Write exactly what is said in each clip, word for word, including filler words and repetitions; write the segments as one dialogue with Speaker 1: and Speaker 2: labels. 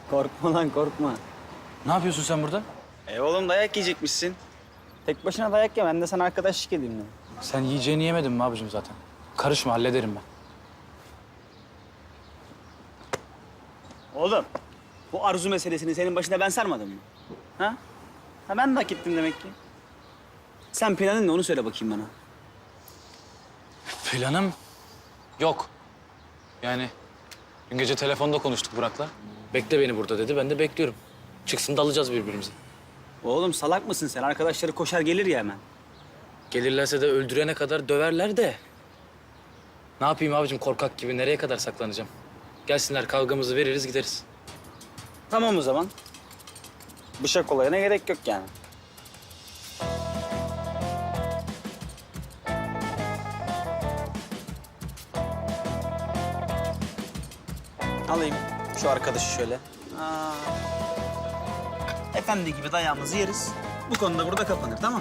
Speaker 1: Korkma lan korkma.
Speaker 2: Ne yapıyorsun sen burada?
Speaker 1: E oğlum dayak yiyecekmişsin. Tek başına dayak ye, ben de sana arkadaşlık edeyim dedim.
Speaker 2: Sen yiyeceğini yemedin mi abicim zaten? Karışma, hallederim ben.
Speaker 1: Oğlum, bu arzu meselesini senin başına ben sarmadım mı? Ha? Ha ben de hak ettim demek ki. Sen planın ne onu söyle bakayım bana.
Speaker 2: Planım yok. Yani dün gece telefonda konuştuk Burak'la. Bekle beni burada dedi, ben de bekliyorum. Çıksın da alacağız birbirimizi.
Speaker 1: Oğlum salak mısın sen? Arkadaşları koşar gelir ya hemen.
Speaker 2: Gelirlerse de öldürene kadar döverler de. Ne yapayım abicim korkak gibi, nereye kadar saklanacağım? Gelsinler kavgamızı veririz gideriz.
Speaker 1: Tamam o zaman. Bıçak olayına gerek yok yani. Alayım şu arkadaşı şöyle. Aa. Efendi gibi dayağımızı yeriz. Bu konuda burada kapanır, tamam?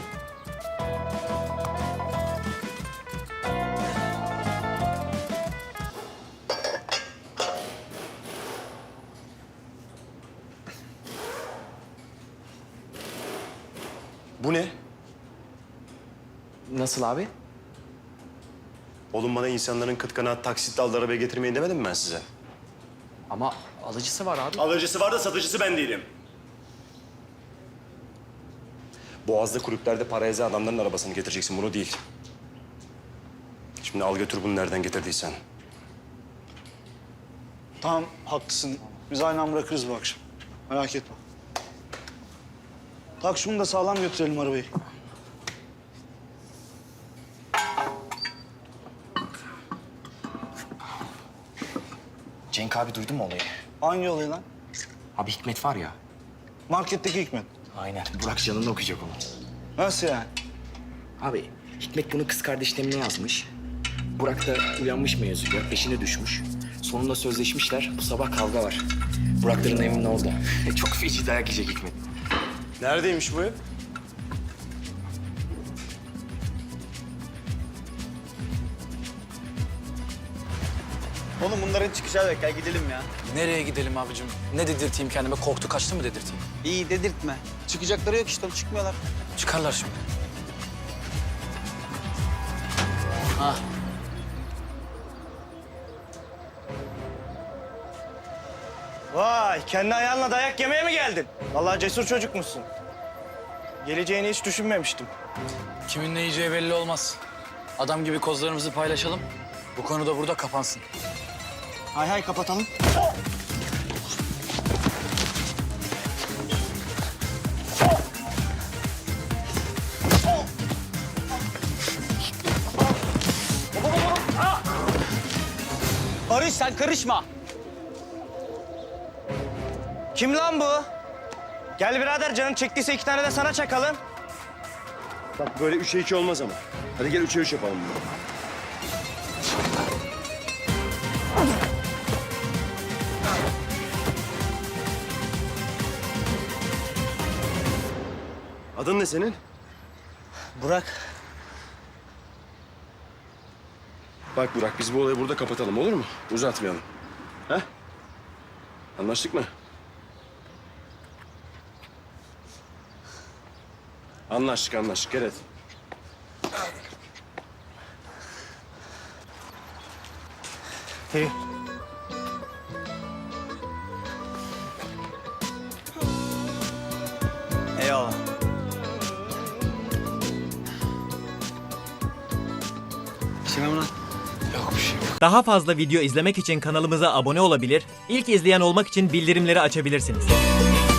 Speaker 3: Bu ne?
Speaker 4: Nasıl abi?
Speaker 3: Oğlum bana insanların kıt kanaat taksitle aldığı arabaya getirmeyin demedim mi ben size?
Speaker 4: Ama alıcısı var abi.
Speaker 3: Alıcısı var da satıcısı ben değilim. Boğaz'da kulüplerde para ezen adamların arabasını getireceksin, bunu değil. Şimdi al götür bunu nereden getirdiysen.
Speaker 5: Tamam, haklısın. Biz aynı an bırakırız bu akşam. Merak etme. Tak şunu da sağlam götürelim arabayı.
Speaker 4: Cenk abi duydun mu olayı?
Speaker 5: Hangi olayı lan?
Speaker 4: Abi Hikmet var ya.
Speaker 5: Marketteki Hikmet.
Speaker 4: Aynen. Burak canını okuyacak onu.
Speaker 5: Nasıl yani?
Speaker 4: Abi Hikmet bunu kız kardeşlerine yazmış. Burak da uyanmış mevzuya, peşine düşmüş. Sonunda sözleşmişler. Bu sabah kavga var. Burakların evinin orada. Çok feci dayak yiyecek Hikmet.
Speaker 3: Neredeymiş bu ev?
Speaker 1: Oğlum bunların çıkacağı yok. Gel gidelim ya.
Speaker 2: Nereye gidelim abicim? Ne dedirteyim kendime? Korktu kaçtı mı dedirteyim?
Speaker 1: İyi dedirtme. Çıkacakları yok işte, çıkmıyorlar.
Speaker 2: Çıkarlar şimdi. Ha.
Speaker 6: Vay, kendi ayağınla dayak yemeye mi geldin? Vallahi cesur çocukmuşsun. Geleceğini hiç düşünmemiştim.
Speaker 2: Kimin ne yiyeceği belli olmaz. Adam gibi kozlarımızı paylaşalım. Bu konu da burada kapansın.
Speaker 5: Hay hay kapatalım.
Speaker 1: Barış sen karışma.
Speaker 6: Kim lan bu? Gel birader, canın çektiyse iki tane de sana çakalım.
Speaker 3: Bak böyle üçe iki olmaz ama. Hadi gel üçe üç yapalım bunu. Adın ne senin?
Speaker 6: Burak.
Speaker 3: Bak Burak, biz bu olayı burada kapatalım, olur mu? Uzatmayalım. Ha? Anlaştık mı? Anlaştık, anlaştık. Gel hadi.
Speaker 6: İyi.
Speaker 1: Eyvallah. Bir şey mi lan?
Speaker 2: Yok bir şey yok.
Speaker 7: Daha fazla video izlemek için kanalımıza abone olabilir, ilk izleyen olmak için bildirimleri açabilirsiniz.